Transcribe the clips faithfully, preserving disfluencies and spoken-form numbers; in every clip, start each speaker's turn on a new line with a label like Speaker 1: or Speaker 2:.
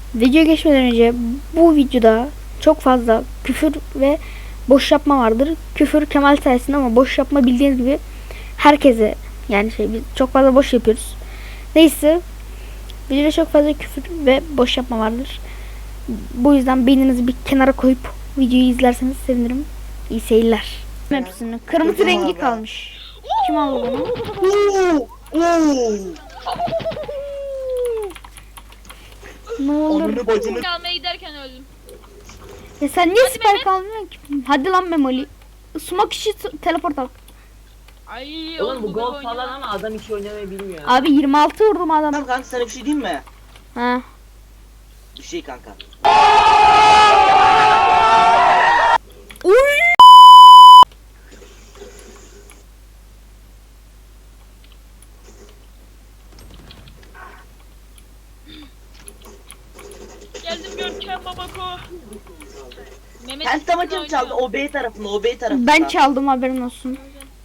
Speaker 1: Videoya geçmeden önce bu videoda çok fazla küfür ve boş yapma vardır. Küfür Kemal sayesinde ama boş yapma bildiğiniz gibi herkese, yani şey biz çok fazla boş yapıyoruz. Neyse, videoda çok fazla küfür ve boş yapma vardır. Bu yüzden beyninizi bir kenara koyup videoyu izlerseniz sevinirim. İyi seyirler. Hepsini kırmızı rengi kalmış. Kim aldı bunu? Ne olur.
Speaker 2: Almaya giderken öldüm.
Speaker 1: Ya sen niye spike almıyorsun ki? Hadi lan Memoli. Sumak işi teleport al.
Speaker 2: Ay
Speaker 3: Oğlum bu gol
Speaker 2: gol
Speaker 3: falan ama adam hiç oynamayı bilmiyor.
Speaker 1: Abi yirmi altı vurdum adam.
Speaker 4: Tamam kanka, sana bir şey diyeyim mi?
Speaker 1: Ha.
Speaker 4: Bir şey kanka.
Speaker 1: Uy!
Speaker 2: Geldim Görkem babako. Mehmet
Speaker 4: Kendi amacım çaldı, o B tarafında, o B tarafında.
Speaker 1: Ben çaldım, haberin olsun.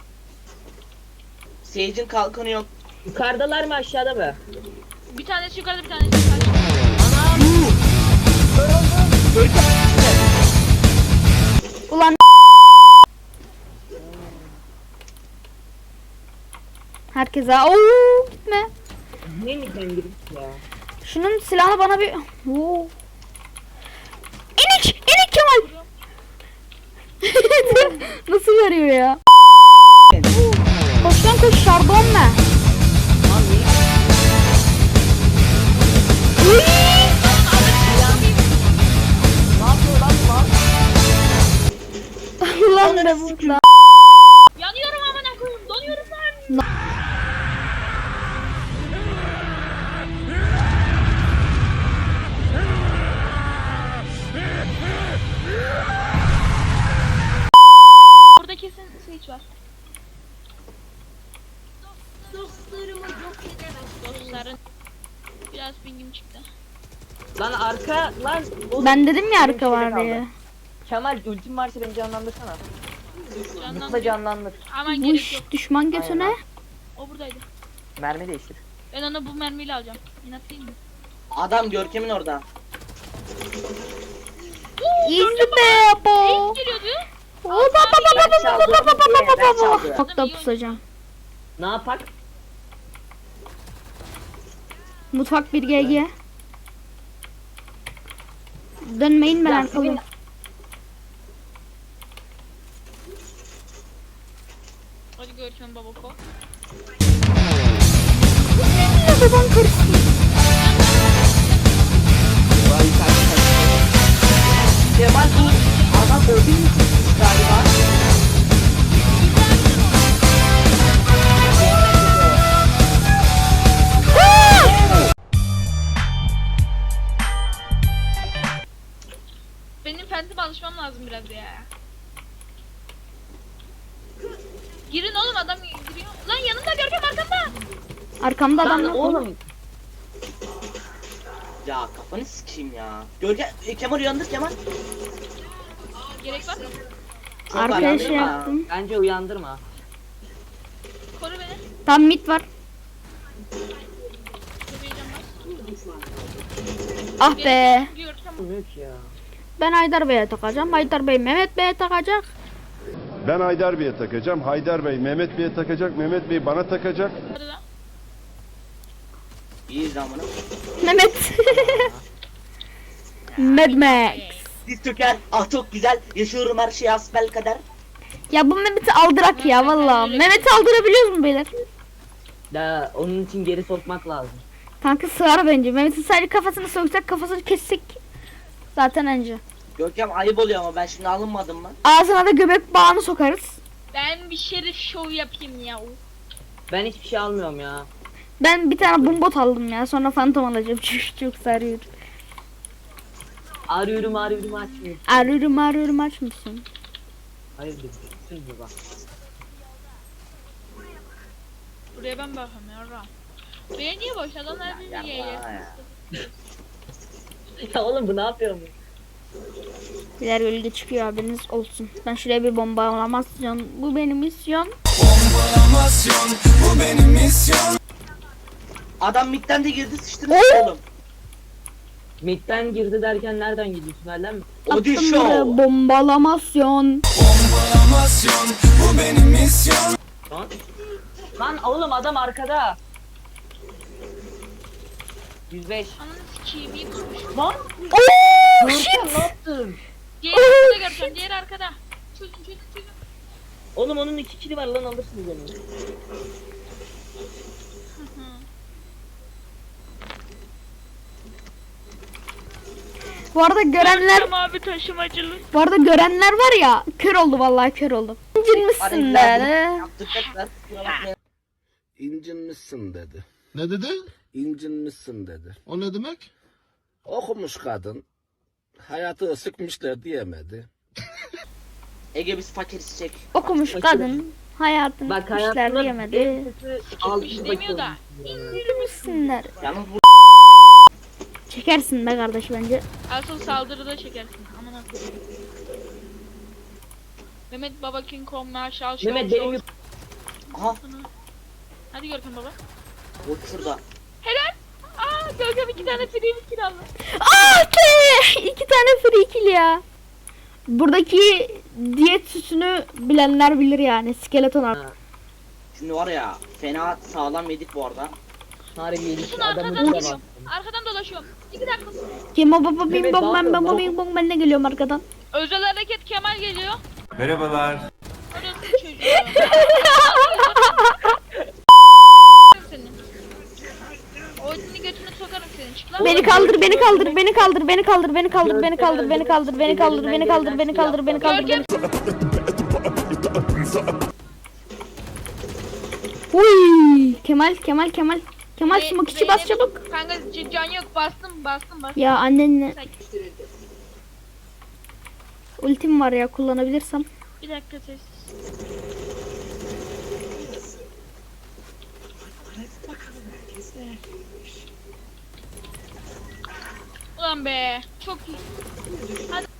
Speaker 4: Sage'in kalkanı yok.
Speaker 3: Yukarıdalar mı aşağıda mı?
Speaker 2: Bir tanesi yukarıda, bir tanesi yukarıda.
Speaker 1: Ulan herkese ooo gitme.
Speaker 3: Ne mi sen girip ya?
Speaker 1: Şunun silahını bana bir Oo. İnik, inik Kemal. Nasıl veriyor ya? Koş lan koş, şarbon ne? Ulan be bu lan.
Speaker 2: Yanıyorum amına koyayım, donuyorum lan. Burada kesin switch var. Dostlarımı yok edemez. Dostların biraz pingim çıktı.
Speaker 3: Lan arka lan. Oğlum,
Speaker 1: Ben dedim ya
Speaker 3: benim
Speaker 1: arka
Speaker 3: şeyde
Speaker 1: var
Speaker 3: kaldı.
Speaker 1: diye.
Speaker 3: Kemal ultim varsa beni canlandırsana.
Speaker 2: Canlandı.
Speaker 3: Mutla canlandır.
Speaker 2: Aman gerek
Speaker 1: Vuş,
Speaker 2: yok.
Speaker 1: düşman götüne.
Speaker 3: Aynen.
Speaker 2: O buradaydı.
Speaker 3: Mermi değiştir.
Speaker 2: Ben onu bu mermiyle alacağım. İnat değil mi?
Speaker 4: Adam Görkem'in orada.
Speaker 1: İzle be bo.
Speaker 2: Ace geliyordu.
Speaker 1: Oba baba
Speaker 4: Ben
Speaker 1: baba
Speaker 4: çaldım,
Speaker 1: baba baba baba
Speaker 4: ben
Speaker 1: baba.
Speaker 4: çaldım.
Speaker 1: Çok da pusacağım.
Speaker 3: Ne yapak?
Speaker 1: Mutfak bir G G. Dönmeyin, ben
Speaker 3: Ya,
Speaker 1: arkalıyım.
Speaker 2: Hadi Görkem babako.
Speaker 1: Ya baban karıştı.
Speaker 4: Kemal bu adam ödül mü çıkmış galiba?
Speaker 2: Benim Phantom alışmam lazım biraz ya. Girin oğlum, adam giriyor. Lan yanında Görkem, arkamda.
Speaker 1: Arkamda adam
Speaker 3: Lan
Speaker 1: yok.
Speaker 3: oğlum.
Speaker 4: Ya kafanı sikeyim ya. Görkem, e, Kemal uyandır Kemal.
Speaker 2: Gerek var mı?
Speaker 4: Çok
Speaker 1: Arkaya
Speaker 4: uyandırma.
Speaker 1: şey yaptım.
Speaker 3: Bence uyandırma.
Speaker 2: Koru beni.
Speaker 1: Tam mid var.
Speaker 2: Çok heyecan var.
Speaker 1: Ah be.
Speaker 2: Görkem.
Speaker 3: Büyük ya.
Speaker 1: Ben Haydar Bey'e takacağım. Haydar Bey Mehmet Bey'e takacak.
Speaker 5: Ben Haydar Bey'e takacağım. Haydar Bey Mehmet Bey'e takacak. Mehmet Bey bana takacak.
Speaker 2: Arada.
Speaker 4: İyi zamanı.
Speaker 1: Mehmet. Mad Max.
Speaker 4: Diz Türker. Ah çok güzel. Yaşıyorum her şeyi asbel kader.
Speaker 1: Ya bu Mehmet'i aldırak ya vallahi. Mehmet'i aldırabiliyoruz mu beyler?
Speaker 3: Da onun için geri sokmak lazım.
Speaker 1: Kanka sığar bence. Mehmet'in sadece kafasını soksak, kafasını kessek zaten önce.
Speaker 4: Görkem ayıp oluyor ama ben şimdi alınmadım mı?
Speaker 1: Ağzına da göbek bağını sokarız.
Speaker 2: Ben bir şerif şov yapayım ya.
Speaker 3: Ben hiçbir şey almıyorum ya.
Speaker 1: Ben bir tane bombot aldım ya. Sonra fantom alacağım. Çünkü çok sarıyor.
Speaker 3: Arıyorum arıyorum açmıyor.
Speaker 1: Arıyorum arıyorum, aç mısın?
Speaker 3: Hayırdır? Siz mi bak?
Speaker 2: Buraya ben bakıyorum ya. Ram. Buraya niye boş? Adamlar bizi
Speaker 4: Yapma
Speaker 2: yiyor.
Speaker 4: ya.
Speaker 3: Ya oğlum bu ne yapıyor bu?
Speaker 1: Birer gölge çıkıyor, haberiniz olsun. Ben şuraya bir bomba alamazsın. Bu benim misyon.
Speaker 6: Bu benim misyon.
Speaker 4: Adam midden de girdi sıçtı
Speaker 1: Oo.
Speaker 4: oğlum.
Speaker 3: Mid'den girdi derken nereden gidiyor? Tünelden mi?
Speaker 4: Odi
Speaker 1: Attım
Speaker 4: Show.
Speaker 1: buraya bombalamasyon.
Speaker 3: Lan. Lan oğlum adam arkada. yüz beş.
Speaker 2: Ananı sikeyim iyi kurmuş.
Speaker 3: Lan.
Speaker 1: Oh
Speaker 3: Görkem
Speaker 1: shit.
Speaker 3: ne yaptın?
Speaker 2: Diğer arkada göreceğim. Diğer arkada. Çözün çözün çözün.
Speaker 3: Oğlum onun iki kili var lan alırsınız onu.
Speaker 1: Bu arada görenler
Speaker 2: Görkem abi taşımacılık.
Speaker 1: bu arada görenler var ya kör oldu vallahi kör oldu. İncinmişsin de.
Speaker 3: Yaptıklar. Kusura bakmayın.
Speaker 6: İncinmişsin dedi.
Speaker 7: Ne dedi?
Speaker 6: İncinmişsin dedi.
Speaker 7: O ne demek?
Speaker 6: Okumuş kadın. Hayatı sıkmışlar diyemedi.
Speaker 4: Ege biz fakiriz çek.
Speaker 1: Okumuş kadın hayatını
Speaker 3: Bak
Speaker 1: işler
Speaker 3: hayatımda
Speaker 1: diyemedi.
Speaker 3: en kötü altı
Speaker 2: Hiç
Speaker 3: bakıyorum.
Speaker 2: demiyor da.
Speaker 1: İndirmişsinler.
Speaker 4: Yalnız bu
Speaker 1: Çekersin be kardeş bence.
Speaker 2: Asıl saldırıda çekersin. Aman akıllı. Mehmet Baba King Kong Marshall Show.
Speaker 3: Mehmet benim
Speaker 2: Show.
Speaker 3: yük-
Speaker 4: aha
Speaker 2: Hadi Görkem baba.
Speaker 4: bu şurada.
Speaker 2: Helal. Aa Görkem iki tane free bir kill aldı.
Speaker 1: Aa te! İki tane free kill ya. Buradaki diyet süsünü bilenler bilir yani. Skeleton ar-
Speaker 4: Şimdi var ya fena sağlam yedik bu arada.
Speaker 3: Harbi yedik
Speaker 2: Şunu
Speaker 3: adamı
Speaker 2: arkadan
Speaker 3: bile
Speaker 2: dolaşıyorum. Arkadan dolaşıyorum. İki dakika.
Speaker 1: Kim o baba bing
Speaker 3: Mehmet,
Speaker 1: bong ben
Speaker 3: ne
Speaker 1: baba
Speaker 3: yapıyorsun?
Speaker 1: bing bong ben de geliyorum arkadan.
Speaker 2: Özel hareket Kemal geliyor.
Speaker 8: Merhabalar.
Speaker 2: Orası çocuğu. Senin. Odin'i götüne sokarım senin. Çık lan.
Speaker 1: Beni kaldır, beni kaldır, beni kaldır, beni kaldır, beni kaldır, beni kaldır, beni kaldır, beni kaldır, beni kaldır, beni kaldır, beni kaldır, beni Uy, Kemal, Kemal, Kemal. Kemal
Speaker 2: Ze-
Speaker 1: smoke içi bas
Speaker 2: Zeynep-
Speaker 1: çabuk.
Speaker 2: Kanka c- can yok bastım bastım bastım.
Speaker 1: Ya annenle
Speaker 2: Sen-
Speaker 1: ultim var ya kullanabilirsem.
Speaker 2: Bir dakika sessiz. Ulan be çok iyi. Hadi.